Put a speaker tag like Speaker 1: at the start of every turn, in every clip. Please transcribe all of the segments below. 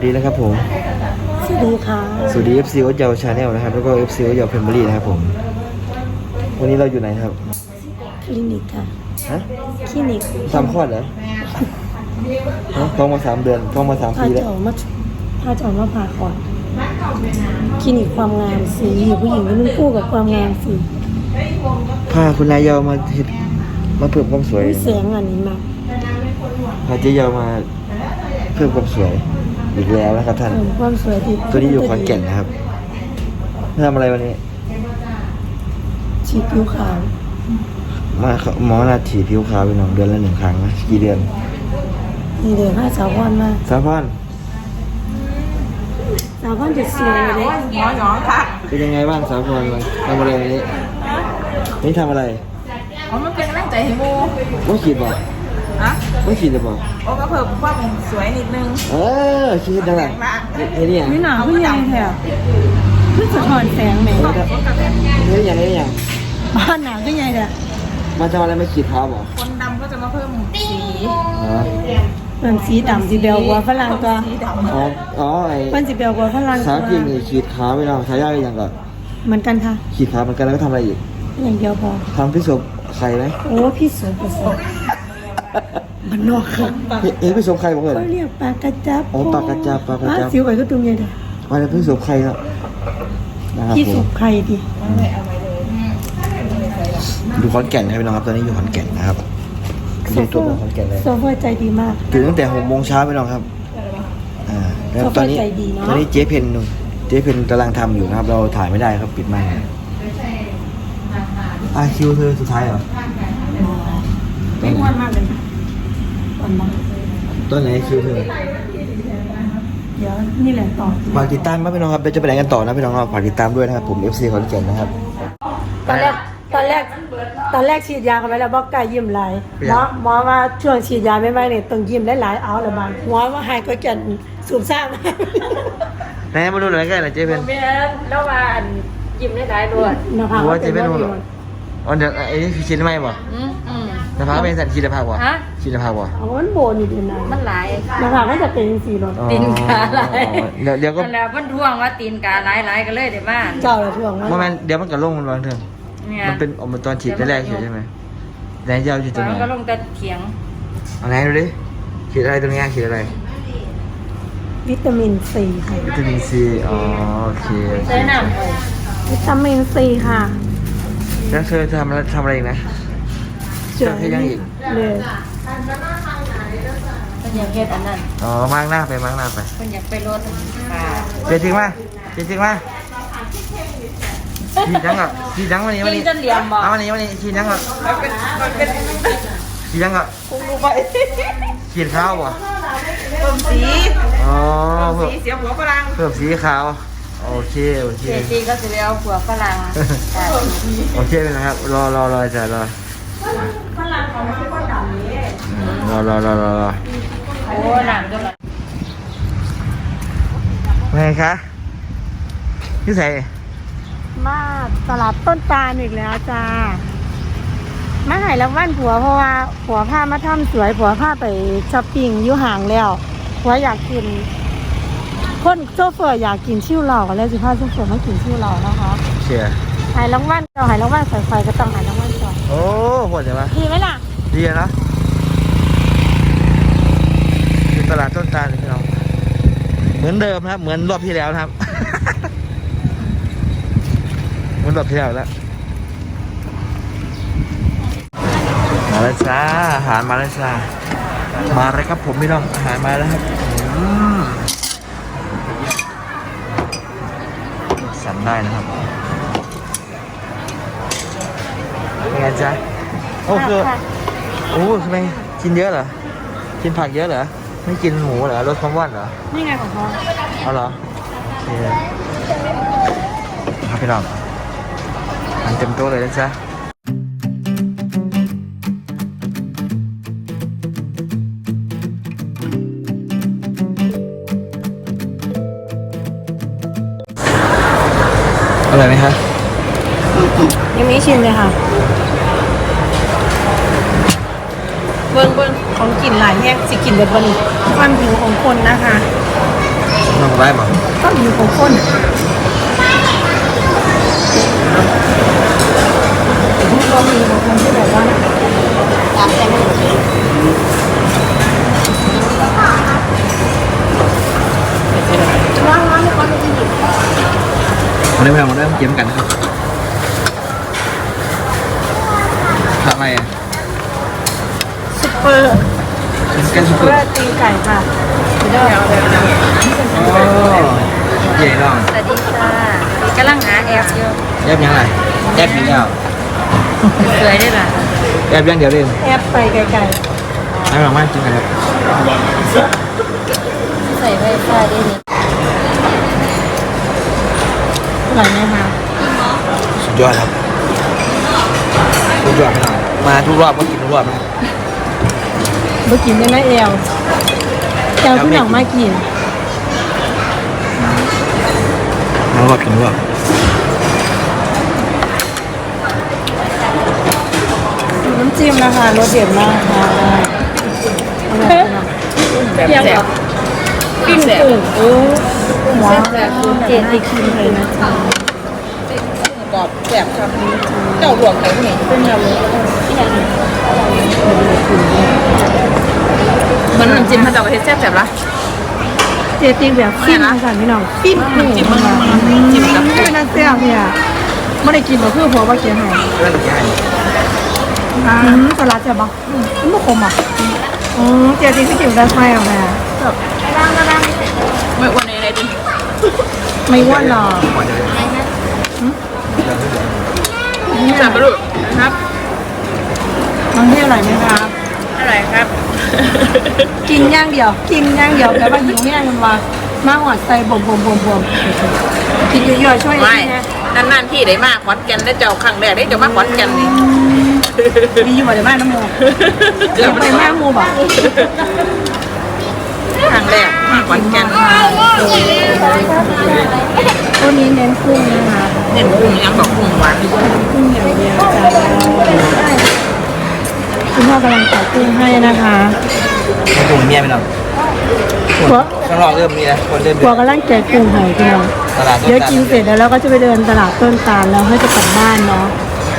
Speaker 1: ดีนะครับผม
Speaker 2: สวัสดีค่ะ
Speaker 1: สวัสดี FC โอ๊ตเยาวชาแนลนะครับแล้วก็ FC โอ๊ตเยาวเพมเบอรี่นะครับผมวันนี้เราอยู่ไหนครับ
Speaker 2: คลินิกค่ะ
Speaker 1: ฮะ
Speaker 2: คลินิก
Speaker 1: ทำคลอดเหรอท้องมา3 เดือนท้องมา3 ปีแล้ว
Speaker 2: พาจะออกมาผ่าก่อนคลินิกความงามสีผู้หญิงก็นุ่งคู่กับความงามสี
Speaker 1: พาคุณนายเยาวมาเพิ่มความสวย
Speaker 2: เสียงอันนี้มา
Speaker 1: พาเจ๊เยาวมาเพิ่มความสวยอีกแล้วนะครับท่าน
Speaker 2: ความสวยที่
Speaker 1: ตัวนี้อยู่ขอนแก่นนะครับทำอะไรวันนี้
Speaker 2: ฉีดผิวขาว
Speaker 1: มาหมอนาฉีดผิวขาวไป1 เดือนละ1 ครั้งนะกี่เดือน
Speaker 2: เดือน5 สาวพรมา
Speaker 1: สาวพร
Speaker 2: จะสวยเลย
Speaker 3: หยองค่ะ
Speaker 1: เป็นยังไงบ้างสาวพรทำอะไรวันนี้นี่ทำอะไร
Speaker 3: มันเป็นกำลังใจให้โม
Speaker 1: ไม่ฉีดบ่
Speaker 3: ฮะ
Speaker 1: ไม่ฉีดหรือเปล่า
Speaker 3: โอ้ก็เพิ่มความสวยนิดนึง
Speaker 1: ฉีดยังไงเฮ้ยเนี่ย
Speaker 2: ไม่หนาวพี่ยังแถวพี่สะท้อนแสงไหม
Speaker 1: เฮ้ยยัง
Speaker 2: บ้านหนาวพี่ยังเด้อ
Speaker 1: มาทำอะไรไม่ฉีดเท้าบ่
Speaker 3: คนดำก็จะมาเพิ่มสี
Speaker 2: มันสีดำสีเบลกว่าฝรั่งตัวมันสีเบลกว่าฝรั่ง
Speaker 1: สาวจริงนี่ฉีดขาวไปแล้วสาวยากยังก่อน
Speaker 2: เหมือนกันค่ะ
Speaker 1: ฉีดขาวเหมือนกันแล้วก็ทำอะไรอีก
Speaker 2: อย่างเดียวพอ
Speaker 1: ทำพิสูจน์ไข่ไหม
Speaker 2: โอ้พี่สวยมันนอกค่ะ
Speaker 1: พิสูจน์ไข่บอกเลย
Speaker 2: เขาเรียกปลากระจับ
Speaker 1: ปลากระจับ
Speaker 2: สิวไข่ก็ตุ้มใหญ่เลย
Speaker 1: อะไรพิสูจน์ไข่ครับ
Speaker 2: พี่สุกไข่ดิ
Speaker 1: อยู่ขอนแก่นครับพี่น้องครับตอนนี้อยู่ขอนแก่นนะครับอยู่ตัวขอนแก่นเลย
Speaker 2: โซเฟอร์ใจดีมาก
Speaker 1: ตื่นตั้งแต่6 โมงเช้าพี่น้องครับแล้วตอนนี้เจ๊เพนกำลังทำอยู่นะครับเราถ่ายไม่ได้ครับปิดไมค์คิวเธอสุดท้ายเหรอ
Speaker 2: ไม่อ้วนมากเลย
Speaker 1: ต้นไหนคิวเธอ
Speaker 2: เดี๋ยวนี่แหละต่อ
Speaker 1: ฝากติดตามมาพี่น้องครับเดี๋ยวจะไปไหนกันต่อนะพี่น้องครับฝากติดตามด้วยนะครับผม FC ขอนแก่นนะครับ
Speaker 2: ตอนแรกฉีดยากันไปแล้วบอกไก่ยิ้มไหลหมอว่าช่วงฉีดยาไม่เนี่ยต้องยิ้มหลายๆเอาละบางหมอว่าหายก็จะสูบซ่า
Speaker 1: แม่มาดูหน่อยกันหน่อยเจ๊เพน
Speaker 3: แม่แล้วว่ายิ้มหลายๆด้วย
Speaker 2: นะคะ
Speaker 1: ว่าเจ๊เพนดูหรอเดี๋ยวไอ้นี่คือฉีดได้ไหมบ่นะครับเป็นสัตว์ฉีดได้พักบ่ฉีดได้พักบ่
Speaker 2: มันโบนอยู่ดีนะ
Speaker 3: มันหลาย
Speaker 2: นะคะก็จะเป็นสีรถ
Speaker 3: ตีนกาหลาย
Speaker 1: เดี๋ยวก็
Speaker 3: แล้วมันท่วงว่าตีนกาหลายกันเลยเดี๋ยวมา
Speaker 2: เจ้าท่วง
Speaker 1: ว่ามันเดี๋ยวมันก็ลงมันบางเถอะมันเป็นออกมาตอนฉีดแรกใช่ไหมไหนเจ้าฉีดตรงไหน
Speaker 3: ก็ลงแต่เถียง
Speaker 1: เอาไหนดูดิฉีดอะไรตรงนี้ฉีดอะไร
Speaker 2: วิตามินซีค่ะ
Speaker 1: วิตามินซีโอเค
Speaker 3: ใช้น้ำ
Speaker 2: วิตามินซีค่ะ
Speaker 1: แล้วเธอทำอะไรอีกนะเชื่อให้ยังอีก
Speaker 2: เลย
Speaker 3: เป็นอย่างเฮ็ดอันนั้น
Speaker 1: มากหน้าไป
Speaker 3: เป็นอย่างไปรถ
Speaker 1: เจ๊จริงป่ะฉีดยังวันนี้
Speaker 3: จนเหลี่ยมบ่
Speaker 1: วันนี้ฉีดยังก่อนฉีดยังก่อน
Speaker 3: คงดูไป
Speaker 1: ฉีดขาวบ่
Speaker 3: เพิ่มสีเสียหัวฝรั่ง
Speaker 1: เพิ่มสีขาวโอเค
Speaker 3: สีก็จะเอาหัวฝรั่ง
Speaker 1: โอเคเลยนะครับรอจ้ะรอ
Speaker 3: ฝรั่งของมันก็ดำนี้
Speaker 1: รอ
Speaker 3: โอ้หนังจังเลย
Speaker 1: ไงคะพี่ใส่
Speaker 2: มาตลาดต้นตาลอีกแล้วจ้ามาหายรางวัลผัวเพราะว่าผัวผ้ามาทำสวยผัวผ้าไปช้อปปิ้งอยู่ห่างแล้วผัวอยากกินคนโซเฟอร์อยากกินชิวเหล่าแล้วสิพาโซเฟอร์มากินชิวเหล่านะคะ
Speaker 1: เชียร์
Speaker 2: หายรางวัลเราหายรางวัลสายไฟก็ต้องหายรางวัลก่อน
Speaker 1: โอ้โหดใช่ไหม
Speaker 2: ดีไหมล่ะ
Speaker 1: ดีนะเป็นตลาดต้นตาลเลยพี่น้องเหมือนเดิมครับเหมือนรอบที่แล้วนะครับเหมือนรอบที่แล้วแล้วมาแล้วจ้าอาหารมาแล้วจ้ามาเลยครับผมพี่น้องอาหารมาแล้วครับสั่งได้นะครับเป็นไงจ๊ะโอ้ทำไมกินเยอะเหรอกินผักเยอะเหรอไม่กินหมูเหรอลดความอ้วนเหรอ
Speaker 2: นี่ไงของพ่อ
Speaker 1: เอาเหรอโอเคครับพี่น้องมันเต็มโต๊ะเลยนะจ๊ะอร่อยไหมคะ
Speaker 2: ยังไม่ชิมเลยค่ะเบิ้งของกินหลายแยกสิกินแบบบนความหิวของคนนะคะ
Speaker 1: น้องไว้บ่
Speaker 2: ก็มีของคนก็มีของคนที่แบบว่าตามใจไม่หมดร้อนๆก็ไม่ได้หยิบ
Speaker 1: วันนี้เราเริ่มเกมกันนะครับทำอะไรอ่ะ
Speaker 2: ซุปเปอร์
Speaker 1: ชิคเก้นซุปเปอร์
Speaker 2: ตีนไก่ค่ะเดี๋ยว
Speaker 1: โอ้เจ๋งน้อง
Speaker 3: สวัสดีค่ะกำลังหาแอปอยู่
Speaker 1: แอปยังไงแอปยังเดียว
Speaker 3: สวยได้ป่ะ
Speaker 1: แอปยังเดียวเลย
Speaker 2: แอปไปไกล
Speaker 1: ให้ลองมากินกันครับ
Speaker 3: ใส่ไวไฟได้นี่
Speaker 2: ๆอร่อยไหมคะ
Speaker 1: สุดยอดครับสุดยอดขนาดมาทุกรอบก็กินทุกรอบนะ
Speaker 2: เมื่อกี้ได้ไหมเอลที่หนังมากิน
Speaker 1: ทุกรอบกินทุกรอบ
Speaker 2: น้ำจิ้มนะคะรสเด็ดมากค่ะเพียงแบบปิ้งกุ้งโอ้ว้าวเจ็ดติคิมเลยนะจ๊ะ
Speaker 3: กรอบแซ่บครับเจ้าหลวงไหนนี่
Speaker 2: เป็นแบบนี้
Speaker 3: มันน้ำจิ้มพระเจ้าประเทศแซ่บๆละ
Speaker 2: เจ็ดติแบบปิ้งค่ะพี่น้องปิ้งกุ้ง
Speaker 3: จิ้มมันจิ้มกับ
Speaker 2: ไม่เป็นน้ำเสียบเนี่ยไม่ได้กินหรอกเพื่อพอว่าเกียร์ให้
Speaker 1: เรื่องใหญ่
Speaker 2: สลัดใช่ปะไม่ขมอ่ะเจ็ดติที่กินได้ไหมอ่ะแม่แบบ
Speaker 3: ไม่วันไหนดิ
Speaker 2: ไม่อ้วนหรอก
Speaker 3: จับปลาดุกครับ
Speaker 2: น้องที่อร่อยไหมครับ
Speaker 3: อะไรครับ
Speaker 2: กินย่างเดียว กินย่างเดียวแต่ว่าหิวแห้งมันว่ามาหัวใจบ่มกินเยอะๆช่วย
Speaker 3: ไม่
Speaker 2: นี่นะ
Speaker 3: นานๆที่ได้มากขอนแก่นได้เจ้าครั้งแรกได้เจ้ามาขอนแก่นนี่
Speaker 2: มีอยู่บ่ได้บ้านน้ำมู
Speaker 3: เกือบ
Speaker 2: ไป
Speaker 3: ไป
Speaker 2: แม่
Speaker 3: มาก
Speaker 2: มูบ่
Speaker 3: ครั้งแรกมาขอนแก่น
Speaker 2: ตัวนี้เน้นกุ้งนะคะ
Speaker 3: เน้นกุ้งยังบอกกุ้งหวาน
Speaker 2: กุ้งอย่างเดียวจ้าคุณพ่อกำลังตักกุ้งให้นะคะ
Speaker 1: ให้ตัวเมียไปหน่อย
Speaker 2: หัว
Speaker 1: ข้างนอกเริ่มมีแล้วคนเริ่ม
Speaker 2: หัวกำลังแกะกุ้งให้พี่น้อง
Speaker 1: ตลาด
Speaker 2: เดี๋ยวกินเสร็จแล้วเราก็จะไปเดินตลาดต้นตาลแล้วให้จะกลับบ้านเนาะ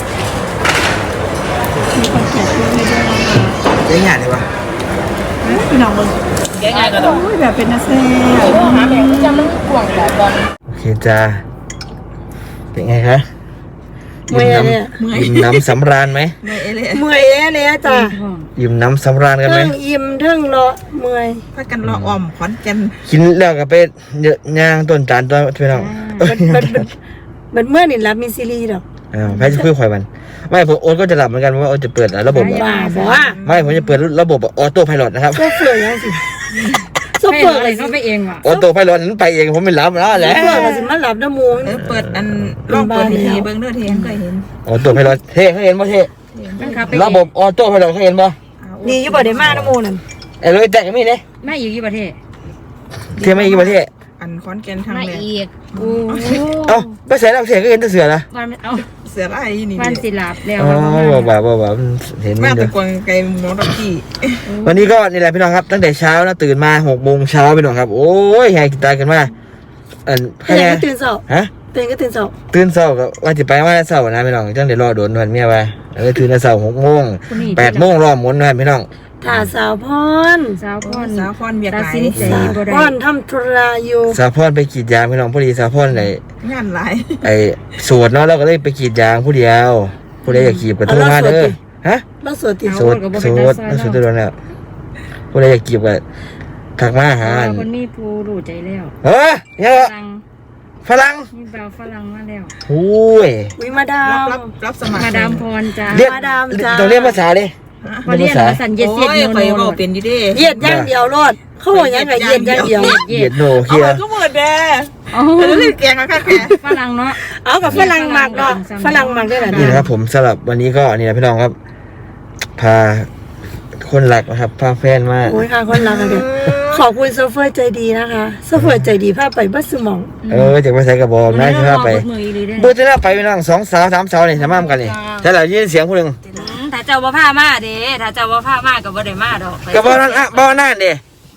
Speaker 2: มีคนแกะกุ้งให้ด้วยนะคะ
Speaker 1: เจ๊งานเลยวะ
Speaker 2: พี่น้องมึง
Speaker 3: แกง่ายก็ต้อง
Speaker 2: โอ้ยแบบเป็นนักแสดง
Speaker 3: หาแม่จำมันกว่างแบบบอล
Speaker 1: โอเคจ้าเป็นไงคะ
Speaker 2: เมื่อยเนี่ย
Speaker 1: ยิ้มน้ำสำราญไหม
Speaker 3: ไม่เอเลย
Speaker 2: เมื่อยเนี่ยจ้ะ
Speaker 1: ยิ้มน้ำสำราญกันไหม
Speaker 2: เทิงอิ่มเทิงเลาะเมื่อย
Speaker 3: พักกันรออ่อมขอนแก่น
Speaker 1: กินแล้วก็ไปเยอะย่างต้นจานตัวพี่น้อง
Speaker 2: มันเมื่อนี่รับมีซีรีส์ดอก
Speaker 1: แพ้จะคุยควายมันไม่ผมโอ๊ตก็จะหลับเหมือนกันเพราะว่าโอ๊ตจะเปิดระบบ
Speaker 2: บ้าบอกว่า
Speaker 1: ไม่ผมจะเปิดระบบออโต้ไพลอตนะครับ
Speaker 2: โซเฟอร์ยังสิโซเฟอร์อะไร
Speaker 3: ไปเองว่ะ
Speaker 1: ออโต้ไพลอตนั้นไปเองผมไม่รับแล้วแหละ
Speaker 2: โซเฟอร์ก็สิมาหลับน้ำมูง
Speaker 3: เปิดอันลองเปิดทีเบิ้งเด้อเทียนก็เห็น
Speaker 1: ออโต้ไพลอตเท่เขาเห็นป่ะเท่
Speaker 3: มันครับ
Speaker 1: ระบบออโต้ไพลอตเขาเห็นป่ะ
Speaker 2: นี่อยู่บ่ได้มาน้ำมูนั่น
Speaker 1: ไอ้เลยแต่ก็มีเนี่ย
Speaker 3: ไม่อยู่ที่ประเทศ
Speaker 1: เท่ไม่กี่ประเทศ
Speaker 3: อันขอนแก่นทาง
Speaker 4: มา
Speaker 3: แรก
Speaker 4: อีก
Speaker 2: โอ้
Speaker 1: เอ้าไม่ใส่แล้วเสียก็เห็นแต่เสือนะ
Speaker 4: วันเอา
Speaker 3: เสือไล่นี่
Speaker 4: วันสิลาบแล้ว
Speaker 1: อ๋อบ่าเห็น
Speaker 3: แม่
Speaker 1: มัน
Speaker 3: ตะ
Speaker 1: เด้อก
Speaker 3: วงไก่หมอตะกี้
Speaker 1: วันนี้ก็นี่แหละพี่น้องครับตั้งแต่เช้านะตื่นมา6 โมงเช้าพี่น้องครับโอ้ยแหกตายกันมาใคร
Speaker 2: ตื่นก็ตื่นเช้า
Speaker 1: ฮะ
Speaker 2: ตื่นก็ตื่นเช้า
Speaker 1: ตื่นเช้าก็ว่าจะไปว่าเช้านะพี่น้องจังเดี๋ยวรอโดนวันเมียไปตื่นแต่เช้า6 โมง8 โมงรอหมุนนะพี่น้อง
Speaker 2: ถ่าสาวพร
Speaker 4: สาวพร
Speaker 3: สาวพรเบียก
Speaker 4: ตัด
Speaker 3: ไหล
Speaker 4: สินใจ
Speaker 2: สาว
Speaker 4: บ่
Speaker 2: พ
Speaker 4: ได้
Speaker 2: รทำธุระอยู่
Speaker 1: สาพรไปกรีดยางพี่น้องพอดีสาพรไ
Speaker 3: งานหลาย
Speaker 1: อ้สวดเนาะเราก็เลยไปกรีดยางผู้เดียวผู้ใดอยากกรีดก็โทรมาเด้อฮะ
Speaker 2: แล้วสวดติ
Speaker 1: สวดตัวนั้นผู้ใดอยากกรีดก็ทักมาหา
Speaker 4: คนมีผู้รู้ใจแล้ว
Speaker 1: เฮ้ยเนี่ย
Speaker 4: ฝรั่ง
Speaker 1: ฝรั่ง
Speaker 4: มีบ่าวฝรั่งมาแล้ว
Speaker 1: โอ้ย
Speaker 2: วิมาดาม
Speaker 3: รับสมัคร
Speaker 4: มาดามพรจ้า
Speaker 1: เรียก
Speaker 2: มาดามจ้า
Speaker 1: ต้องเรียกภาษาเลย
Speaker 4: มาเรียนภาษาเย็ด
Speaker 3: โอ้
Speaker 4: เย็ด
Speaker 3: ย
Speaker 4: โน
Speaker 3: เคย
Speaker 4: โน
Speaker 3: บอกเป็นอยู่ดิ
Speaker 2: เหยียดย่างเดียวรอดเขาบอกยังไงเหยียดย่างเดียว
Speaker 1: เหยียดโน
Speaker 3: เอา
Speaker 1: เคีย
Speaker 3: ไปก็หมดแด่
Speaker 4: โอ้
Speaker 3: แล้วเรียกแกงมาค่ะแก
Speaker 4: ฝรั่งเนาะ
Speaker 2: เอากับฝรั่งหมักเนาะฝรั่งหมักได้แหละ
Speaker 1: นี่นะครับผมสำหรับวันนี้ก็นี่นะพี่น้องครับ พาคนหลักนะครับพาแฟนมา
Speaker 2: โอ้ยค่ะคนรักกันเลยขอบคุณโซเฟอร์ใจดีนะคะโซเฟอร์ใจดีพาไปบัสสมอง
Speaker 1: จากไปใส่กระบอกนะที่พาไป
Speaker 4: มืออีหลีเด้
Speaker 1: เบอร์ที่น่าไปพี่น้อง2 สาว 3 สาวนี่ทำมากันนี่แต่เรายินเสียงผู้หนึ่ง
Speaker 4: ถ้าเจ้าบ่พามาเด้ถ้าเจ้าบ่พามาก็บ่ได้มาดอก
Speaker 1: ก็บ่นั่นอ่ะบ่นั่นเด้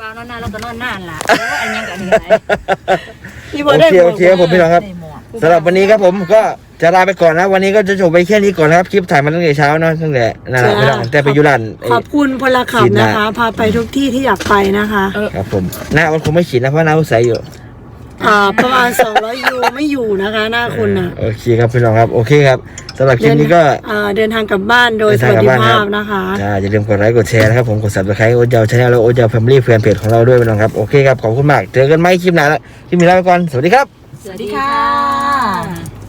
Speaker 4: ปล่านอนนานแล้วก็นอนนานล่ะอันยังกับอันนี้อะไร
Speaker 2: พี่บอ
Speaker 1: โอ
Speaker 2: ได้
Speaker 1: เค
Speaker 2: บ
Speaker 1: โอ
Speaker 2: อก
Speaker 1: เคครับผมพี่น้องครับสำหรับวันนี้ครับผมก็จะลาไปก่อนนะวันนี้ก็จะจบไปแค่นี้ก่อนนะครับคลิปถ่ายมาตั้งแต่เช้าเนาะตั้งแต่นั่นแหละพี่น้องแต่ไปยุรัน
Speaker 2: ขอบคุณพลขับนะคะ พาไปทุกที่ที่อยากไปนะคะ
Speaker 1: ครับผมหน้ามันคงไม่ฉีดนะเพราะหน้าเขาใสอยู่
Speaker 2: ประมาณ200 ยูไม่อยู่นะคะหน้าคุณน่ะ
Speaker 1: โอเคครับพี่น้องครับโอเคครับสำหรับคลิปนี้ก็
Speaker 2: เดินทางกลับบ้านโดยสวัสดิภาพนะคะ
Speaker 1: อย่าลืมกดไลค์กดแชร์นะครับผมกด Subscribe โอ๊ตเยาวชาแนลแล้วโอ๊ตเยาวแฟมิลี่แฟนเพจของเราด้วยพี่น้องครับโอเคครับขอบคุณมากเจอกันไหมคลิปหน้าแล้วคลิปนี้ลาไปก่อนสวัสดีครับ
Speaker 4: สวัสดีค่ะ